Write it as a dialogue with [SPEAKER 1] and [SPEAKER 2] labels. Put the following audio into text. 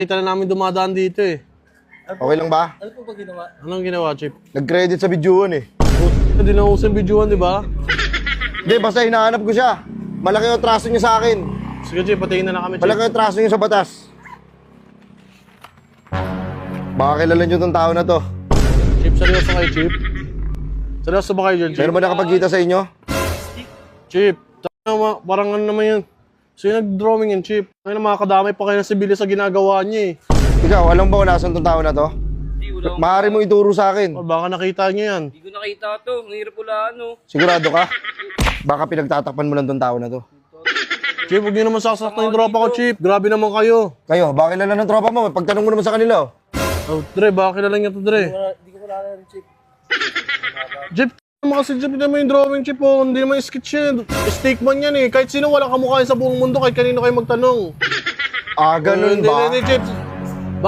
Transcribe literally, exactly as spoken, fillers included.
[SPEAKER 1] Kita na namin dumadaan dito eh.
[SPEAKER 2] Okay lang ba?
[SPEAKER 3] Ano po ba ginawa?
[SPEAKER 1] Anong ginawa, Chip?
[SPEAKER 2] Nag-credit sa videoan eh.
[SPEAKER 1] Hindi na usang videoan, di ba?
[SPEAKER 2] Hindi, basta hinahanap ko siya. Malaki yung traso niya sa akin.
[SPEAKER 1] Sige, Chip, patayin na na kami, Chip.
[SPEAKER 2] Malaki yung traso niya sa batas. Baka kilala niyo tong tao na to.
[SPEAKER 1] Chip, seryoso kayo, Chip? Seryoso ba kayo dyan, Chip?
[SPEAKER 2] Meron ba nakapagkita sa inyo?
[SPEAKER 1] Chip, tama, parang ano naman yun. So yung nag-drawing yan, Chip. Ay na makakadamay pa kayo ng sibilis sa ginagawa niya eh.
[SPEAKER 2] Ikaw, alam ba kung nasan tong tao na to?
[SPEAKER 3] Hindi, wala akong...
[SPEAKER 2] Maaari mo ituro sa akin.
[SPEAKER 1] O baka nakita niyo yan.
[SPEAKER 3] Hindi ko nakita to. Ang hirap wala ano.
[SPEAKER 2] Sigurado ka? Baka pinagtatakpan mo lang tong tao na to.
[SPEAKER 1] Chip, huwag niyo naman sasaktan yung tropa ko, Chip. Grabe naman kayo.
[SPEAKER 2] Kayo, baka kilala ng tropa mo. Pagtanong mo naman sa kanila. Oh.
[SPEAKER 1] Oh, Dre, baka kilala niya to, Dre.
[SPEAKER 3] Hindi ko wala rin, Chip.
[SPEAKER 1] Chip, naman kasi Chip, hindi naman yung drawing, Chip, oh. Hindi naman yung sketch yan. Stickman yan eh. Kahit sino wala kamukha yan sa buong mundo, kahit kanino kayo magtanong.
[SPEAKER 2] Ah, ganun
[SPEAKER 1] Hindi,
[SPEAKER 2] ba?
[SPEAKER 1] hindi, Chip.